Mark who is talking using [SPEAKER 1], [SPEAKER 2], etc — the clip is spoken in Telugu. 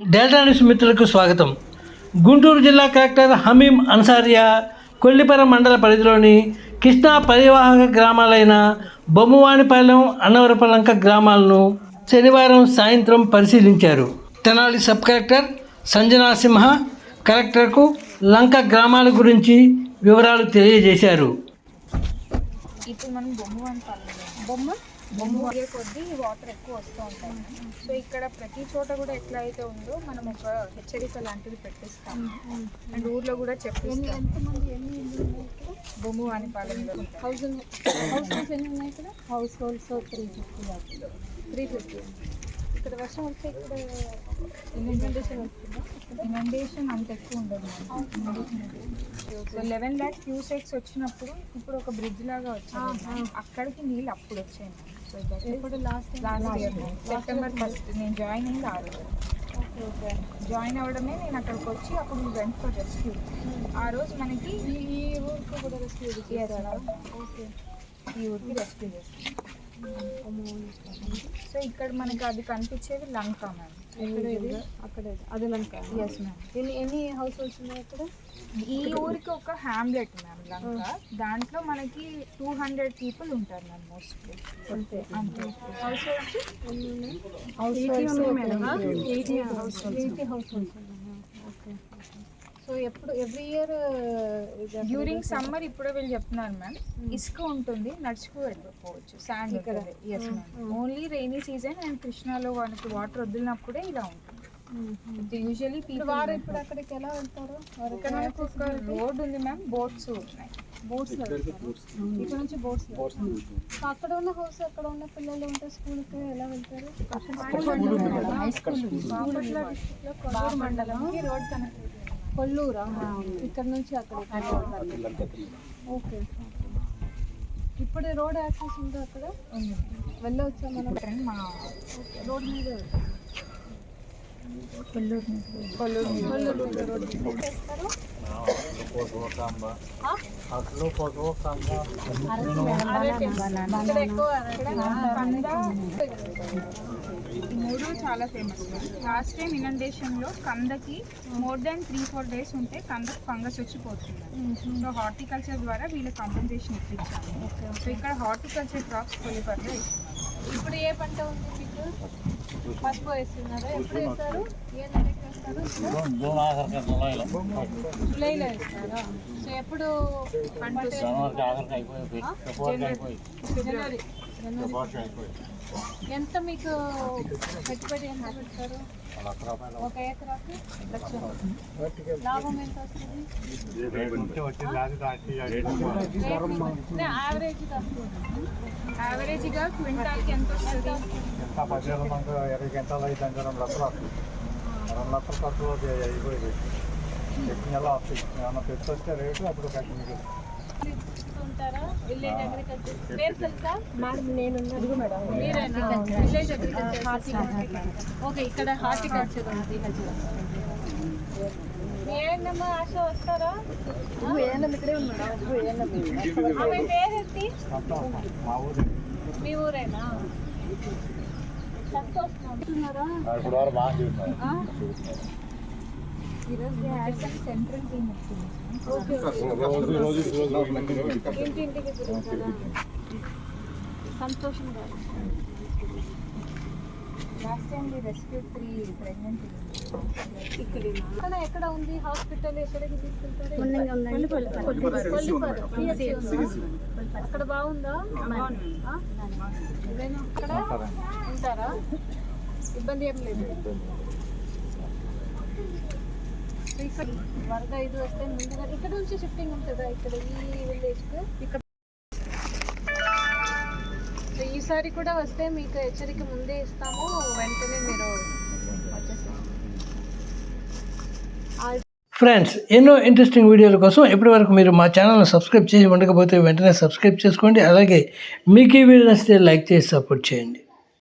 [SPEAKER 1] డెల్టా న్యూస్ మిత్రులకు స్వాగతం. గుంటూరు జిల్లా కలెక్టర్ హమీం అన్సారియా కొల్లిపర మండల పరిధిలోని కృష్ణా పరివాహక గ్రామాలైన బొమ్మవానిపాలెం, అన్నవరపలంక గ్రామాలను శనివారం సాయంత్రం పరిశీలించారు. తెనాలి సబ్ కలెక్టర్ సంజనా సింహ కలెక్టర్కు లంక గ్రామాల గురించి వివరాలు తెలియజేశారు.
[SPEAKER 2] ఇప్పుడు మనం బొమ్మ కొద్దీ వాటర్ ఎక్కువ వస్తూ ఉంటాయి. సో ఇక్కడ ప్రతి చోట కూడా ఎట్లా అయితే ఉందో మనం ఒక హెచ్చరిక లాంటిది పెట్టిస్తాం అండ్ ఊర్లో కూడా చెప్పిస్తాం. బొమ్మ అని పాలనలో హౌస్ ఎన్ని ఉన్నాయి ఇక్కడ? House holds 350. ఇక్కడ వర్షం వస్తే ఇక్కడ ఇనండేషన్ వస్తుందా? ఇనండేషన్ అంత ఎక్కువ ఉండదు. సో 11 lakhs క్యూసెక్స్ వచ్చినప్పుడు ఇప్పుడు ఒక బ్రిడ్జ్ లాగా వచ్చింది, అక్కడికి నీళ్ళు అప్పుడు వచ్చాయి. సో ఇప్పుడు లాస్ట్ ఇయర్ సెప్టెంబర్ 1st నేను జాయిన్ అయింది. ఆ రోజు జాయిన్ అవ్వడమే నేను అక్కడికి వచ్చి అప్పుడు వెంట్ ఫర్ రెస్క్యూ. ఆ రోజు మనకి ఈ ఊరికి కూడా రెస్క్యూ చేయాలి. ఓకే, ఈ ఊరికి రెస్క్యూ చేస్తాం. సో ఇక్కడ మనకి అది కనిపించేది లంక మ్యామ్. అక్కడ అది లంక. Yes ma'am. ఎన్ని హౌస్ హోల్డ్స్ ఉన్నాయి అక్కడ? ఈ ఊరికి ఒక హ్యామ్లెట్ మ్యామ్ లంక. దాంట్లో మనకి 200 people ఉంటారు మ్యామ్ మోస్ట్లీ. అంతే హౌస్ హోల్డ్స్. ఓకే. సో ఎప్పుడు ఎవ్రీ ఇయర్ డ్యూరింగ్ సమ్మర్ ఇప్పుడే వీళ్ళు చెప్తున్నారు మ్యామ్, ఇసుక ఉంటుంది, నడుచుకు వెళ్ళిపోవచ్చు, శాండ్ ఇక్కడ. Yes ma'am. Only rainy season and కృష్ణాలో మనకి వాటర్ వదిలినప్పుడే ఇలా ఉంటుంది. యూజువల్లీ వారు ఇప్పుడు అక్కడికి ఎలా వెళ్తారు? ఇక్కడ మనకు ఒక రోడ్ ఉంది మ్యామ్, బోట్స్ ఉన్నాయి. ఇక్కడ నుంచి బోట్స్. అక్కడ ఉన్న హౌస్, అక్కడ ఉన్న పిల్లలు ఉంటే స్కూల్కి ఎలా వెళ్తారు? హై స్కూల్ మండలంకి రోడ్ కనెక్ట్. కొల్లూరా? ఇక్కడ నుంచి అక్కడ. ఓకే. ఇప్పుడు రోడ్ యాక్సెస్ ఉందా అక్కడ? వెళ్ళవచ్చా మనం? మా రోడ్ మీద మూడు చాలా ఫేమస్. లాస్ట్ టైం ఇనండేషన్లో కందకి మోర్ దాన్ 3-4 days ఉంటే కందకు ఫంగస్ వచ్చిపోతుంది. సో హార్టికల్చర్ ద్వారా వీళ్ళకి కాంపెన్సేషన్ ఇప్పించాము. సో ఇక్కడ హార్టికల్చర్ క్రాప్స్ కొల్లిపరలో ఇస్తున్నారు. ఇప్పుడు ఏ పంట ఉంది మీకు? పసుపు వేస్తున్నారా? ఎప్పుడు వేస్తారు? ఏ నెలకి వేస్తారు? జూలైలో వేస్తారా? సో ఎప్పుడు పంట? జనవరి. ఎంత మీకు పెట్టుబడి ఎంత పెడతారు? 1 ఎకరాకి 1 లక్ష. లాభం ఎంత వస్తుంది? యావరేజ్గా క్వింటాల్కి ఎంత వస్తుంది?
[SPEAKER 3] 20 గంటలు అయితే 2 లక్షలు. 2 లక్షలు ఖర్చు అయిపోయింది. నెల ఏమన్నా తెచ్చి వస్తే రేటు అప్పుడు కట్టింది.
[SPEAKER 2] విలేజ్ అగ్రికల్చర్ పేరు తెలుసా? మీరేనా? Village agriculture. ఓకే, ఇక్కడ హార్టికల్చర్ ఉంది. ఏనమ్మా ఆశ వస్తారా? ఇక్కడే ఉన్నాడా? ఆమె పేరేంటి? మీ ఊరేనా? సెంట్రల్ టీమ్ వచ్చింది. ఇంటింటికి తిరుగుతారా? సంతోషం గారు. Last time we rescue 3 pregnant. ఇక్కడ ఎక్కడ ఉంది హాస్పిటల్? ఎక్కడికి తీసుకెళ్తారు? అక్కడ బాగుందా? అక్కడ ఉంటారా? ఇబ్బంది ఏం లేదు. వరద ఇది వస్తే ముందుగా ఇక్కడ నుంచి షిఫ్టింగ్ ఉంటుందా? ఇక్కడ ఈ విలేజ్కి ఇక్కడ. సో ఈసారి కూడా వస్తే మీకు హెచ్చరిక ముందే ఇస్తాము, వెంటనే మీరు వచ్చేసారు.
[SPEAKER 1] ఫ్రెండ్స్, ఎన్నో ఇంట్రెస్టింగ్ వీడియోల కోసం ఇప్పటివరకు మీరు మా ఛానల్ని సబ్స్క్రైబ్ చేసి ఉండకపోతే వెంటనే సబ్స్క్రైబ్ చేసుకోండి. అలాగే మీకు ఈ వీడియో నచ్చితే లైక్ చేసి సపోర్ట్ చేయండి.